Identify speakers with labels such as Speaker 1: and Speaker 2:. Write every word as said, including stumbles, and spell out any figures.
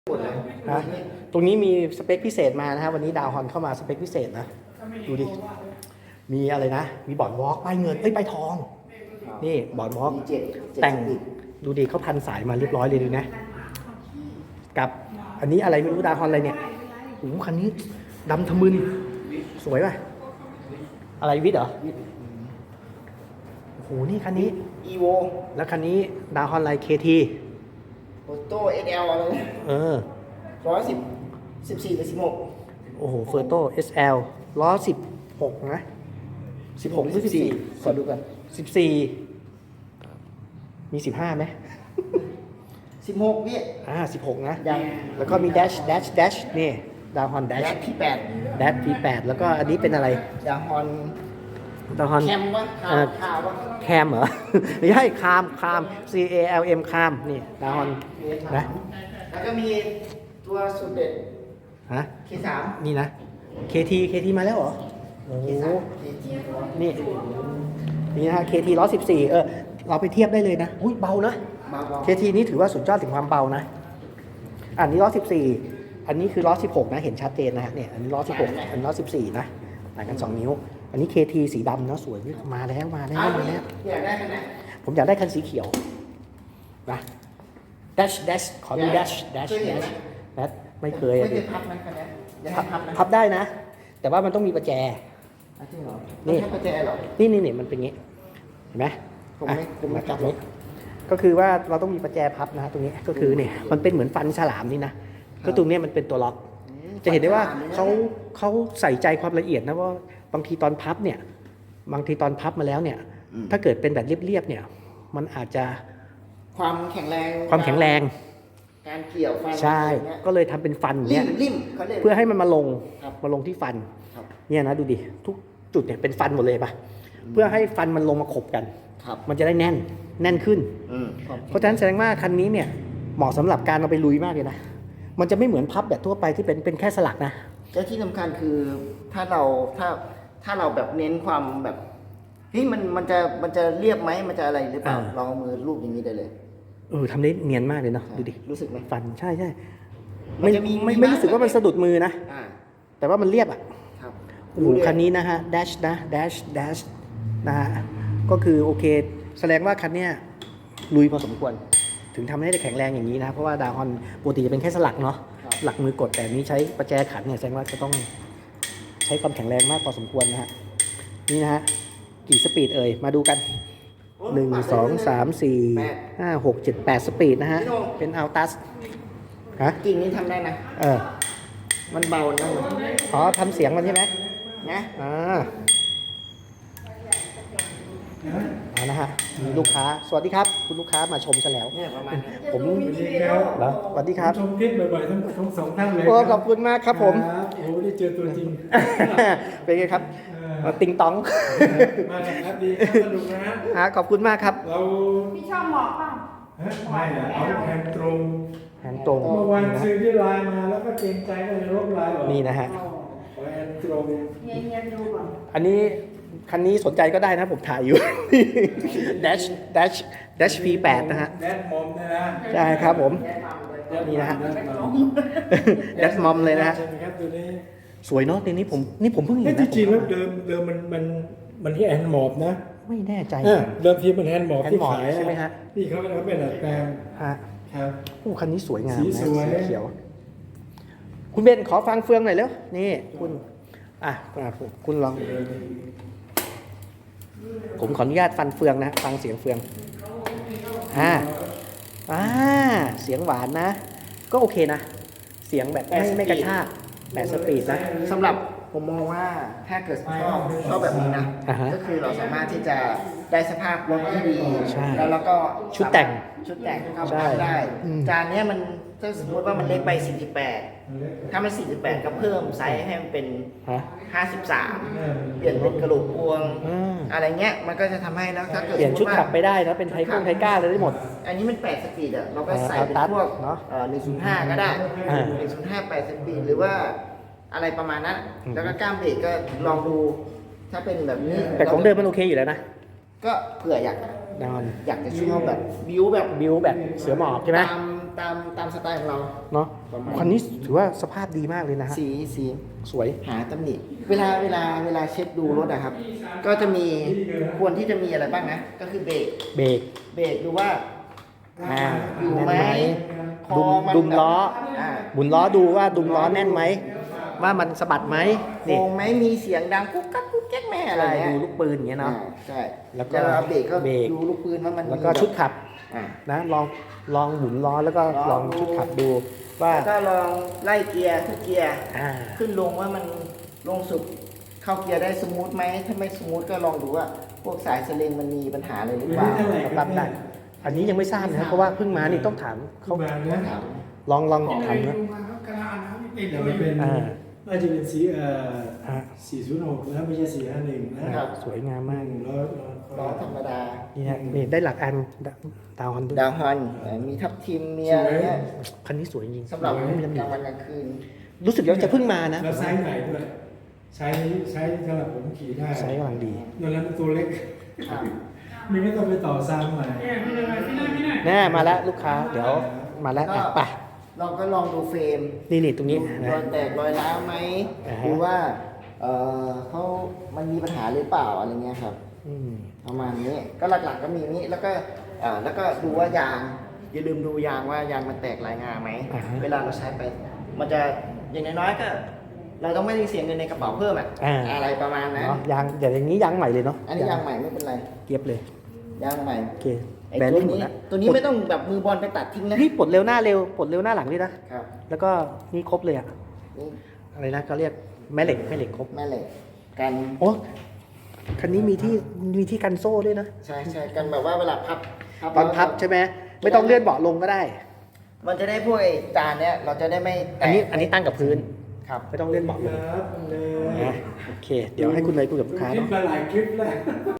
Speaker 1: หมดเลย
Speaker 2: นะตรงนี้มีสเปคพิเศษมานะครับวันนี้ดาวฮอนเข้ามาสเปคพิเศษนะดูดิมีอะไรนะมีบอร์ดวอล์กป้ายเงินเอ้ยป้ายทองนี่บอร์ดวอล์ก
Speaker 1: เจ็ด
Speaker 2: แต่งดูดิเขาพันสายมาเรียบร้อยเลยดูนะกับอันนี้อะไรไม่รู้ดาวฮอนอะไรเนี่ยโอ้โหคันนี้ดำทะมึนสวยป่ะอะไรวิทย์เหรอโอ้โหนี่คันนี้
Speaker 1: อีโว
Speaker 2: แล้วคันนี้ดาวฮอนอะไรเคที
Speaker 1: โอโต้เอสแอลอะไร
Speaker 2: เออ
Speaker 1: ร้อยสิบสิบสี่หรือสิบหก
Speaker 2: โอ้โหเฟอร์โต้ เอส แอล ล้อสิบหกนะสิบหกหรือสิบสี่
Speaker 1: ขอดูกัน
Speaker 2: สิบสี่มีสิบห้าไหม
Speaker 1: สิบหกพี่
Speaker 2: อ่าสิบหกนะ
Speaker 1: ยัง
Speaker 2: แล้วก็มี dash dash dash นี่ดาวฮอน
Speaker 1: แด
Speaker 2: dash
Speaker 1: ชพี่แปด
Speaker 2: dash พี แปดแล้วก็อันนี้เป็นอะไร
Speaker 1: ดาฮอน
Speaker 2: ดาวฮอน
Speaker 1: แคมวะ
Speaker 2: เอ่
Speaker 1: ข่าว
Speaker 2: อ
Speaker 1: ข่าววะ
Speaker 2: แคมเหรอ ไม่ใช่คามคาม C A L M คามนี่ดาวฮอนนะ
Speaker 1: แล้วก็มีตัวสุดเด็ด
Speaker 2: ฮะ
Speaker 1: เคสาม
Speaker 2: นี่นะ เค ที เค ที มาแล้วเหรอโอ้โห
Speaker 1: เคสามเคที
Speaker 2: นี่นี่นะฮะ เค ที ล้อสิบสี่เออเราไปเทียบได้เลยนะอุ้ยเบานะ
Speaker 1: มาบอ
Speaker 2: เค ที นี่ถือว่าสุดยอดถึงความเบานะ อันนี้ล้อสิบสี่อันนี้คือล้อสิบหกนะ เห็นชัดเจนนะฮะเนี่ย อันนี้ล้อสิบหกอันนี้ล้อสิบสี่นะต่างกันสองนิ้ว อันนี้ เค ที สีดำเนาะสวยมาแล้วมาแล้ว
Speaker 1: เอา
Speaker 2: มา
Speaker 1: พี่
Speaker 2: แล้ว
Speaker 1: อยากได้ขนาด
Speaker 2: ผมอยากได้คันสีเขียวนะ dash dash ขอดู dash dash dash dash ไม่เคย
Speaker 1: ไม่
Speaker 2: อะ
Speaker 1: เค
Speaker 2: ดิ
Speaker 1: ยพับนะขนาดอยาก
Speaker 2: พับ
Speaker 1: ให้พับนะ
Speaker 2: พับได้นะ แต่ว่ามันต้องมีประแจ
Speaker 1: อ่ะจริงเหรอ
Speaker 2: นี่
Speaker 1: นี่ประแจเหรอ
Speaker 2: นี่นี่นี่มันเป็นงี้ เห็นไหม
Speaker 1: ผมไม่
Speaker 2: อ่ะ
Speaker 1: ผมไม่จับหรอก
Speaker 2: ก็คือว่าเราต้องมีประแจพับนะฮะตรงนี้ก็คือเนี่ยมันเป็นเหมือนฟันฉลามนี่นะก็ตรงเนี้ยมันเป็นตัวล็อก จะเห็นได้ว่าเขาเขาใส่ใจความละเอียดนะว่าบางทีตอนพับเนี่ยบางทีตอนพับมาแล้วเนี่ย ถ้าเกิดเป็นแบบเรียบๆเนี่ยมันอาจจะ
Speaker 1: ความแข็งแรง
Speaker 2: ความแข็งแรง
Speaker 1: การเกี่ยวฟัน
Speaker 2: ใช่
Speaker 1: อะไรเงี้ย
Speaker 2: ก็เลยทำเป็นฟัน
Speaker 1: ริ
Speaker 2: เนี่ย
Speaker 1: มริมเขาเรียก
Speaker 2: เพื่อให้มันมาลง
Speaker 1: ครับ
Speaker 2: มาลงที่ฟัน
Speaker 1: ครับ
Speaker 2: เนี่ยนะดูดิทุกจุดเนี่ยเป็นฟันหมดเลยปะเพื่อให้ฟันมันลงมาขบกัน
Speaker 1: ครับ
Speaker 2: มันจะได้แน่นแน่นขึ้น
Speaker 1: อืม
Speaker 2: เพราะฉะนั้นแสดงว่าคันนี้เนี่ยเหมาะสำหรับการเอาไปลุยมากเลยนะมันจะไม่เหมือนพับแบบทั่วไปที่เป็นเป็นแค่สลักนะ
Speaker 1: และที่สำคัญคือถ้าเราถ้าถ้าเราแบบเน้นความแบบเฮ้ยมันมันจะมันจะเรียบไหมมันจะอะไรหรือเปล่าลองเอามือรูปอย่างนี้ได้เลย
Speaker 2: เออทำได้เนียนมากเลยเนาะดูดิ
Speaker 1: รู้สึกไหม
Speaker 2: ฟันใช่ใช่
Speaker 1: มัน
Speaker 2: ไม่
Speaker 1: จะมี
Speaker 2: ไม่
Speaker 1: มี
Speaker 2: ไม่
Speaker 1: บ้าง
Speaker 2: รู้สึกว่ามันสะดุดมือนะ
Speaker 1: อ่า
Speaker 2: แต่ว่ามันเรียบอ่ะ
Speaker 1: ครับ
Speaker 2: โอ้โหคันนี้นะฮะ dash นะ dash dash นะฮะก็คือโอเคแสดงว่าคันเนี้ยลุยพอสมควร ถึงทำให้ได้แข็งแรงอย่างนี้นะเพราะว่าดาวฮอนปกติจะเป็นแค่สลักเนาะหลักมือกดแต่นี้ใช้ประแจขันเนี่ยแสดงว่าจะต้องใช้ความแข็งแรงมากพอสมควรนะฮะนี่นะฮะกี่สปีดเอ่ยมาดูกันหนึ่งสองสามสี่ห้าหกเจ็ดแปดสปีดนะฮะเป็นอัลตัสฮะ
Speaker 1: กิ่งนี้ทำได้นะ
Speaker 2: เออ
Speaker 1: มันเบานะ
Speaker 2: อ๋อทำเสียงมันใช่ไหม
Speaker 1: นะ
Speaker 2: อ่าเอานะฮะมีลูกค้าสวัสดีครับ คุณลูกค้ามาชมซะแล้ว
Speaker 1: เนี่ยประมาณเนี้ย
Speaker 2: ผม
Speaker 3: สวัสดีครับ
Speaker 2: เหรอสวัสดีครับ
Speaker 3: ชมคลิปบ่อยๆทั้งทั้งสองท่านเลย
Speaker 2: โอ้ขอบคุณมากครับผม
Speaker 3: ครับโอ้ได้เจอตัวจริง
Speaker 2: เป็นไงครับ
Speaker 3: เออ
Speaker 2: มาติงตอง
Speaker 3: มาจากครับดีครับสนุกนะฮะ
Speaker 2: ฮะขอบคุณมากครับ
Speaker 3: เรา
Speaker 4: พี่ชอบหมอกเปล่า
Speaker 3: ฮะไม่นะเอาแทนตรง
Speaker 2: แฮนตรง
Speaker 3: เมื่อวานซื้อที่ไลน์มาแล้วก็เกรงใจก็เลยลบไลน์ออก
Speaker 2: นี่นะฮะ
Speaker 3: ขอแอนตรง
Speaker 4: เย็นเย็นๆดูก่อน
Speaker 2: อันนี้คันนี้สนใจก็ได้นะผมถ่ายอยู่ dash dash dash พี แปดนะฮะ
Speaker 3: แดดมอมเนี่ยนะ
Speaker 2: ใช่ครับผม นี่นะฮะ dash mom เลยนะฮะ
Speaker 3: ใช่ไหมครับตัวนี้
Speaker 2: สวยเนาะทีนี้ผมนี่ผมเพิ่งเห็
Speaker 3: เฮ้ย
Speaker 2: นนะ
Speaker 3: ที่จริง
Speaker 2: ผม
Speaker 3: แล้วเดิมเดิมมันมันมันที่แอนหมอบนะ
Speaker 2: ไม่แน่ใจ
Speaker 3: เออเดิมทีมันแอนหมอบที่
Speaker 2: hand mob
Speaker 3: ขาย
Speaker 2: ใช่ไหมฮะ
Speaker 3: ที่เขาเขาเป็นดัดแปลง
Speaker 2: ฮะ
Speaker 3: ครับ
Speaker 2: โอ้คันนี้สวยงาม
Speaker 3: สี
Speaker 2: นะ
Speaker 3: สวย
Speaker 2: สีเขียว คุณเบนขอฟังเฟืองหน่อยเร็วนี่คุณอ่ะอ่ะคุณลอง ผมขออนุญาตฟันเฟืองนะ ฟังเสียงเฟืองอ่าอ่าเสียงหวานนะ ก็โอเคนะ เสียงแบบไม่ไม่กระชากแปดสปีดนะ
Speaker 1: สำหรับผมมองว่าถ้าเกิดชอบชอบแบบนี้นะ
Speaker 2: อ่าฮะ
Speaker 1: ก็คือเราสามารถที่จะได้สภาพรถที่ดี
Speaker 2: ใช่
Speaker 1: แล้วเราก็
Speaker 2: ชุดแต่ง
Speaker 1: ชุดแต่งเข้า
Speaker 2: ใช่
Speaker 1: มาได้
Speaker 2: อืม
Speaker 1: จานเนี้ยมันถ้าสมมติว่ามันเล็กไปสี่สิบแปดถ้ามันสี่สิบแปดก็เพิ่มไซส์ให้มันเป็น
Speaker 2: ฮะ
Speaker 1: ห้าสิบสามเปลี่ยนเป็นกระโหลกพวง
Speaker 2: อืม
Speaker 1: อะไรเงี้ยมันก็จะทำให้แล้วถ้าเกิด
Speaker 2: เปลี่ยนชุด
Speaker 1: สมมุติ
Speaker 2: ขับ
Speaker 1: ว่า
Speaker 2: ไปได้นะเป็นไทก้งไทก้าเลยได้หมด
Speaker 1: อันนี้มันแปดสปีดอะเราก็ใส่เป็น
Speaker 2: อ่า
Speaker 1: พวก
Speaker 2: เนอะ
Speaker 1: หนึ่งศูนย์ห้าก็ได้
Speaker 2: อ่า
Speaker 1: หนึ่งศูนย์ห้าแปดสปีดหรือว่าอะไรประมาณนั้น
Speaker 2: อืม
Speaker 1: แล้วก็ก้ามเบรกก็ลองดูถ้าเป็นแบบนี้
Speaker 2: แต่ของเดิมมันโอเคอยู่แล้วนะ
Speaker 1: ก็เผื่ออยาก
Speaker 2: นอน
Speaker 1: อยากจะชอบแบบบิวแบบ
Speaker 2: บิวแบบเสือหมอบใช่ไหม
Speaker 1: ตามตามตามสไตล์ของเรา
Speaker 2: เนาะ
Speaker 1: ประมาณ
Speaker 2: คันนี้ถือว่าสภาพดีมากเลยนะฮะ
Speaker 1: สีสี
Speaker 2: สวย
Speaker 1: หาตำหนิเวลาเวลาเวลาเช็คดูรถอะครับ ก็จะมีควรที่จะมีอะไรบ้างนะ ก็คือเบรก
Speaker 2: เบรก
Speaker 1: เบรกดูว่า
Speaker 2: อ่า
Speaker 1: อยู่
Speaker 2: แน่น
Speaker 1: ไหม
Speaker 2: ไหม
Speaker 1: คอ
Speaker 2: ดุม
Speaker 1: มัน
Speaker 2: ดุมล้อ
Speaker 1: อ่า
Speaker 2: หมุนล้อดูว่าดุมล้อแน่นไหมว่ามันสะบัดไหม
Speaker 1: โค
Speaker 2: นี่
Speaker 1: งไหมมีเสียงดังกุ๊กกักกุ๊กแก๊กแม่อะไร
Speaker 2: ใช่
Speaker 1: เงี้ย
Speaker 2: ดูลูกปืนอย่างเงี้ยเนาะ
Speaker 1: อ่าใช่
Speaker 2: แล้วก็
Speaker 1: แล้วเบรกก็
Speaker 2: เบรก
Speaker 1: ดูลูกปืนว่ามัน
Speaker 2: แล้วก็
Speaker 1: มี
Speaker 2: ชุดขับ
Speaker 1: อ่า
Speaker 2: นะลองลองหมุนล้อแล้วก็
Speaker 1: ล
Speaker 2: ล
Speaker 1: อ
Speaker 2: อง ง
Speaker 1: ดู
Speaker 2: ชุดขับดูว่า
Speaker 1: แล้วก็ลองไล่เกียร์ทุกเกียร์
Speaker 2: อ่า
Speaker 1: ขึ้นลงว่ามันลงสุดเข้าเกียร์ได้สมูทไหมถ้าไม่สมูทก็ลองดูว่าพวกสายสลิงมันมีปัญหาอะไรหรือเปล่า
Speaker 3: เท่าไหร่
Speaker 2: ปรับได้อันนี้ยังไม่ทราบนะครับเพราะว่าเพิ่งมานี่ต้องถาม
Speaker 3: เขา
Speaker 2: เขา
Speaker 3: มานะ
Speaker 1: ถาม
Speaker 2: ลองลองถามนะ
Speaker 3: เดี๋ยวมันเป็น
Speaker 2: อ่า
Speaker 3: น่าจะเป็นสีเอ่อ
Speaker 2: อ่า
Speaker 3: สี่ศูนย์หกนะไม่ใช่สี่ห้าหนึ่งนะครับ
Speaker 2: สวยงามมาก
Speaker 3: แล้ว
Speaker 1: ล้อธรรมดา
Speaker 2: นี่ฮะนี่ได้หลักอันดาวฮอนด้วย
Speaker 1: ดาวฮอนเอ่อมีทับทิมมีอะไรเงี้ย
Speaker 2: คันนี้สวยจริง
Speaker 1: สำหรับ
Speaker 2: ไม่มีตำหนิ
Speaker 1: กลางวันกลางคืน
Speaker 2: รู้สึกว่าจะเพิ่งมานะ
Speaker 3: แล้วไซส์ไหนด้วยใช้ใช้สำหรับผมขี่ได้
Speaker 2: ไซส์กำลังดี
Speaker 3: นั่นแล้วตัวเล็ก
Speaker 1: ครับ
Speaker 3: มันไม่ต้องไปต่อซ้ำใหม่
Speaker 2: แน่มาแล้วลูกค้าเดี๋ยวมาแล้ว
Speaker 1: ก็
Speaker 2: อ่ะไป
Speaker 1: เราก็ลองดูเฟรม
Speaker 2: นี่นี่ตรงนี้
Speaker 1: ร
Speaker 2: นะ
Speaker 1: อยแตกรอยร้าวไหม
Speaker 2: อ่าฮะ
Speaker 1: หรือว่าเออเขามันมีปัญหาหรือเปล่าอะไรเงี้ยครับ
Speaker 2: อืม
Speaker 1: ประมาณนี้ก็หลักๆก็มีนี้แล้วก็เอ่อแล้วก็ดูว่ายางอย่าลืมดูยางว่ายางมันแตกลายงาไหมเวลาเราใช้ไป มันจะอย่างน้อยๆก็ เราต้องไม่ได้เสียเงินในกระเป๋าเพิ่มอะ
Speaker 2: อ่า
Speaker 1: อะไรประมาณนั้น
Speaker 2: เนาะยางเดี๋ยวอย่างนี้ยางใหม่เลยเนาะ
Speaker 1: อันนี้ยางใหม่ไม่เป็นไร
Speaker 2: เกียบเลย
Speaker 1: ยางใหม่
Speaker 2: โอเค
Speaker 1: ไอ้
Speaker 2: แบรนด์
Speaker 1: ตัว
Speaker 2: นี้หมด
Speaker 1: นี้
Speaker 2: แล้ว
Speaker 1: ตัวนี้ไม่ต้องแบบมือบอลไปตัดทิ้งนะ
Speaker 2: นี่ปลดเร็วหน้าเร็วปลดเร็วหน้าหลังด้วยนะ
Speaker 1: ครับ
Speaker 2: แล้วก็นี่ครบเลยอะ
Speaker 1: นี่
Speaker 2: อะไรนะเขาเรียกแม่เหล็กแม่เหล็กครบ
Speaker 1: แม่เหล็กกัน
Speaker 2: โอ้คันนี้มีที่มีที่กันโซ่ด้วยนะ
Speaker 1: ใช่ใช่กันแบบว่าเวลาพับ
Speaker 2: ตอนพับใช่ไหมไม่ต้องเลื่อนเบาะลงก็ได้
Speaker 1: มันจะได้พวกไอ้จานเนี้ยเราจะได้ไม่แตก
Speaker 2: อันนี้อันนี้ตั้งกับพื้น
Speaker 1: ครับ
Speaker 2: ไม่ต้องเลื่อนเบาะลง
Speaker 3: ครับเลย
Speaker 2: นะโอเค เดี๋ยวให้คุณเลยคุยกับลูกค้า
Speaker 3: คลิป
Speaker 2: เนาะ
Speaker 3: มาหลายคลิปแล้ว